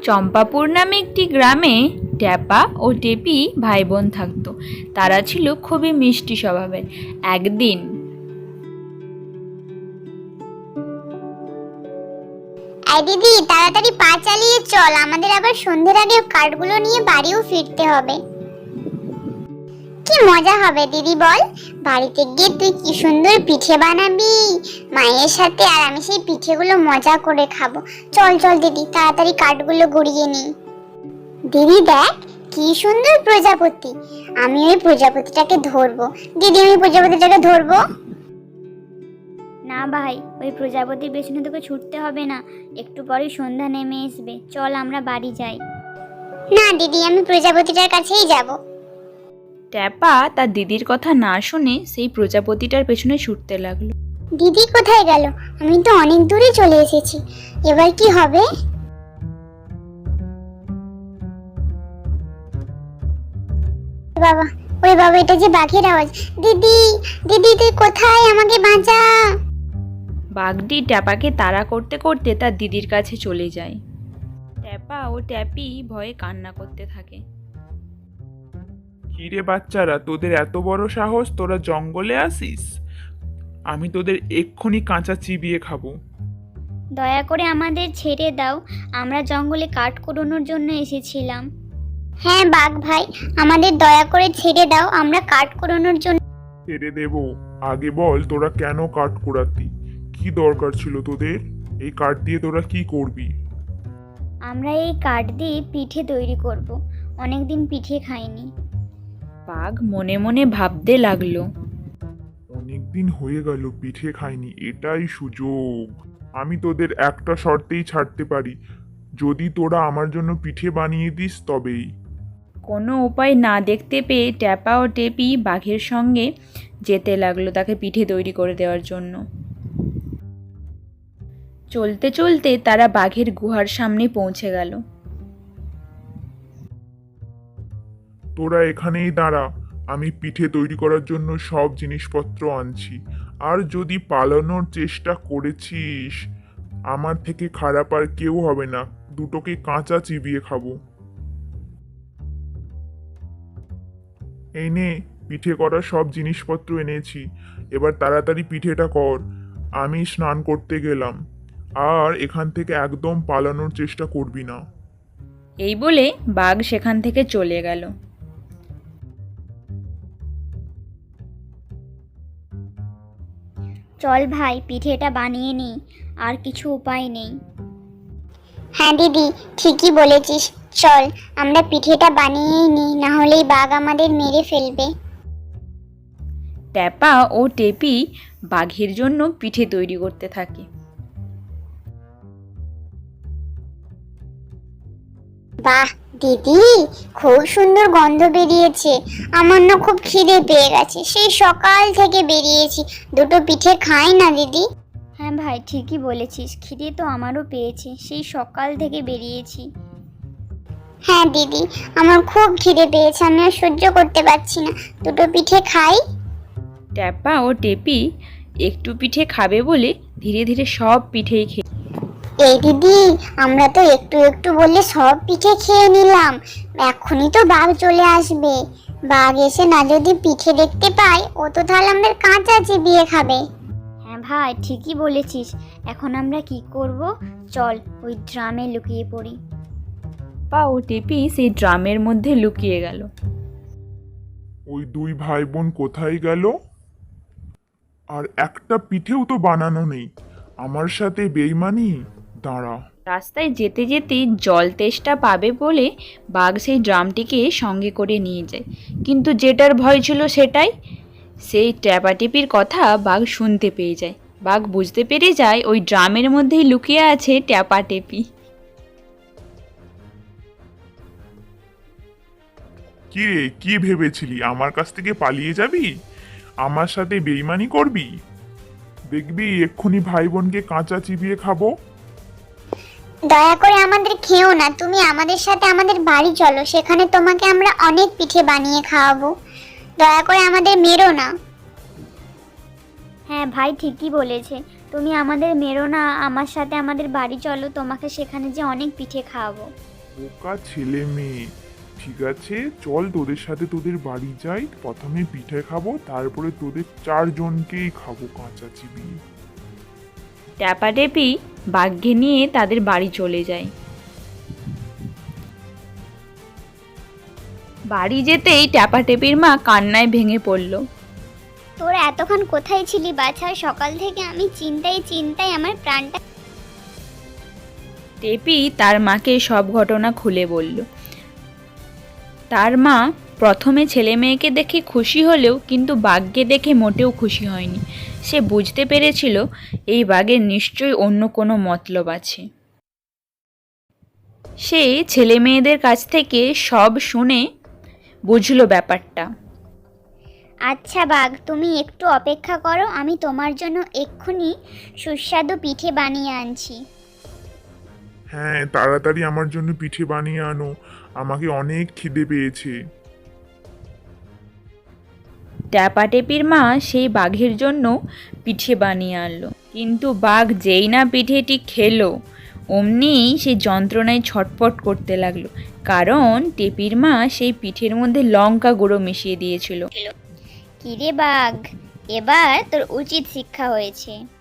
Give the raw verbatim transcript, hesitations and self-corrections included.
চম্পাপুর নামে একটি গ্রামে ট্যাপা ও টেপি ভাই বোন থাকতো। তারা ছিল খুবই মিষ্টি স্বভাবের। একদিন এই দিদি, তাড়াতাড়ি পা চালিয়ে চল, আমাদের আবার সন্ধ্যের আগে কাঠগুলো নিয়ে বাড়িও ফিরতে হবে। কি মজা হবে দিদি বল, বাড়িতে গিয়ে তুই কি সুন্দর পিঠে বানাবি মায়ের সাথে, আর আমি সেই পিঠেগুলো মজা করে খাবো। চল চল দিদি, তাড়াতাড়ি কাঠগুলো গড়িয়ে নি। দিদি দেখ কি সুন্দর প্রজাপতি, আমি ওই প্রজাপতিটাকে ধরবো। দিদি আমি প্রজাপতিটাকে ধরবো। না ভাই, ওই প্রজাপতির পেছনে তোকে ছুটতে হবে না, একটু পরেই সন্ধ্যা নেমে আসবে। চল আমরা বাড়ি যাই। না দিদি, আমি প্রজাপতিটার কাছেই যাব। ট্যাপা তার দিদির কথা না শুনে সেই প্রজাপতিটার পেছনে ছুটতে লাগলো। দিদি কোথায় গেল? আমি তো অনেক দূরে চলে এসেছি, এবার কি হবে? বাবা, ওই বাবা, এটা যে বাঘের আওয়াজ। দিদি দিদি তুই কোথায়, আমাকে বাঁচা। বাঘটি ট্যাপাকে তাড়া করতে করতে তার দিদির কাছে চলে যায়। ট্যাপা ও ট্যাপি ভয়ে কান্না করতে থাকে। কিরে বাচ্চারা, তোদের এত বড় সাহস, তোরা জঙ্গলে আসিস? আমি তোদের এক্ষুনি কাঁচা চিবিয়ে খাবো। দয়া করে আমাদের ছেড়ে দাও, আমরা জঙ্গলে কাঠ কুড়োনোর জন্য এসেছিলাম। হ্যাঁ বাঘ ভাই, আমাদের দয়া করে ছেড়ে দাও, আমরা কাঠ কুড়োনোর জন্য। ছেড়ে দেবো? আগে বল তোরা কেন কাঠ কুড়াতি? কি দরকার ছিল তোদের? এই কাঠ দিয়ে তোরা কি করবি? আমরা এই কাঠ দিয়ে পিঠে তৈরি করব, অনেকদিন পিঠে খাইনি। বাঘ মনে মনে ভাবতে লাগলো। অনেকদিন হয়ে গেল পিঠে খাইনি, এটাই সুযোগ। আমি তোদের একটা শর্তেই ছাড়তে পারি, যদি তোরা আমার জন্য পিঠে বানিয়ে দিস তবেই। কোনো উপায় না দেখতে পেয়ে ট্যাপা ও টেপি বাঘের সঙ্গে যেতে লাগলো তাকে পিঠে তৈরি করে দেওয়ার জন্য। চলতে চলতে তারা বাঘের গুহার সামনে পৌঁছে গেল। তোরা এখানেই দাঁড়া, আমি পিঠে তৈরি করার জন্য সব জিনিসপত্র আনছি। আর যদি পালানোর চেষ্টা করেছিস, আমার থেকে খারাপ আর কেউ হবে না, দুটোকে কাঁচা চিবিয়ে খাবো। এই নে, পিঠে করার সব জিনিসপত্র এনেছি, এবার তাড়াতাড়ি পিঠেটা কর। আমি স্নান করতে গেলাম, আর এখান থেকে একদম পালানোর চেষ্টা করবি না। এই বলে বাঘ সেখান থেকে চলে গেল। চল ভাই, পিঠেটা বানিয়ে নিই, আর কিছু উপায় নেই। হ্যাঁ দিদি, ঠিকই বলেছিস, চল আমরা পিঠেটা বানিয়েই নিই, না হলেই বাঘ আমাদের মেরে ফেলবে। ট্যাপা ও টেপি বাঘের জন্য পিঠে তৈরি করতে থাকে। বাহ দিদি, খুব সুন্দর গন্ধ বেরিয়েছে, আমার না খুব খিদে পেয়ে গেছে, সেই সকাল থেকে বেরিয়েছি, দুটো পিঠে খাই না দিদি। হ্যাঁ ভাই, ঠিকই বলেছিস, খিদে তো আমারও পেয়েছে, সেই সকাল থেকে বেরিয়েছি। হ্যাঁ দিদি, আমার খুব খিদে পেয়েছে, আমি আর সহ্য করতে পারছি না, দুটো পিঠে খাই। ট্যাপা ও টেপি একটু পিঠে খাবে বলে ধীরে ধীরে সব পিঠেই খেয়ে। এই দিদি, আমরা তো একটু একটু বললে সব পিঠে খেয়ে নিলাম, এখনই তো বাঘ চলে আসবে, বাঘ এসে না যদি পিঠে দেখতে পায়, ও তো তাহলে আমাদের কাঁচা চিবিয়ে খাবে। হ্যাঁ ভাই, ঠিকই বলেছিস, এখন আমরা কি করব? চল ওই ড্রামে লুকিয়ে পড়ি। ট্যাপা ও টেপি সেই ড্রামের মধ্যে লুকিয়ে গেল। ওই দুই ভাই বোন কোথায় গেল? আর একটা পিঠেও তো বানানো নেই, আমার সাথে বেইমানি। দাঁড়া। রাস্তায় যেতে যেতে জল তেষ্টা পাবে বলে বাঘ সেই ড্রামটিকে সঙ্গে করে নিয়ে যায়, কিন্তু যেটার ভয় ছিল সেটাই। সেই ট্যাপাটেপির কথা বাঘ শুনতে পেয়ে যায়। বাঘ বুঝতে পেরে যায় ওই ড্রামের মধ্যেই লুকিয়ে আছে ট্যাপাটেপি। কি রে, কি ভেবেছিলি আমার কাছ থেকে পালিয়ে যাবি, আমার সাথে বেইমানি করবি? দেখবি এক্ষুনি ভাই বোনকে কাঁচা চিবিয়ে খাবো। দয়া করে আমাদের খেও না, তুমি আমাদের সাথে আমাদের বাড়ি চলো, সেখানে তোমাকে আমরা অনেক পিঠে বানিয়ে খাওয়াবো, দয়া করে আমাদের মেরো না। হ্যাঁ ভাই, ঠিকই বলেছে, তুমি আমাদের মেরো না, আমার সাথে আমাদের বাড়ি চলো, তোমাকে সেখানে যে অনেক পিঠে খাওয়াবো। বোকা ছেলে মেয়ে। ঠিক আছে, চল তোদের সাথে তোদের বাড়ি যাই, প্রথমে পিঠে খাবো, তারপরে তোদের চারজনকেই খাবো কাঁচা চিবিয়ে। ট্যাপাটেপি বাঘকে নিয়ে তাদের বাড়ি চলে যায়। বাড়ি যেতেই ট্যাপাটেপির মা কান্নায় ভেঙে পড়ল। তোরা এতক্ষণ কোথায় ছিলি বাছা? সকাল থেকে আমি চিন্তায় চিন্তায় আমার প্রাণটা। টেপি তার মাকে সব ঘটনা খুলে বলল। তার মা প্রথমে ছেলে মেয়েকে দেখে খুশি হলেও কিন্তু বাঘকে দেখে মোটেও খুশি হয়নি। সে বুঝতে পেরেছিল এই বাঘের নিশ্চয়ই অন্য কোনো মতলব আছে। সে ছেলে মেয়েদের কাছ থেকে সব শুনে বুঝলো ব্যাপারটা। আচ্ছা বাঘ, তুমি একটু অপেক্ষা করো, আমি তোমার জন্য এক্ষুনি সুস্বাদু পিঠে বানিয়ে আনছি। হ্যাঁ, তাড়াতাড়ি আমার জন্য পিঠে বানিয়ে আনো, আমাকে অনেক খিদে পেয়েছে। ট্যাপাটেপির মা সেই বাঘের জন্য পিঠে বানিয়ে আনলো, কিন্তু বাঘ যেই না পিঠেটি খেলো অমনি সে যন্ত্রণায় ছটফট করতে লাগলো, কারণ টেপির মা সেই পিঠের মধ্যে লঙ্কা গুঁড়ো মিশিয়ে দিয়েছিল। কিরে বাঘ, এবার তোর উচিত শিক্ষা হয়েছে।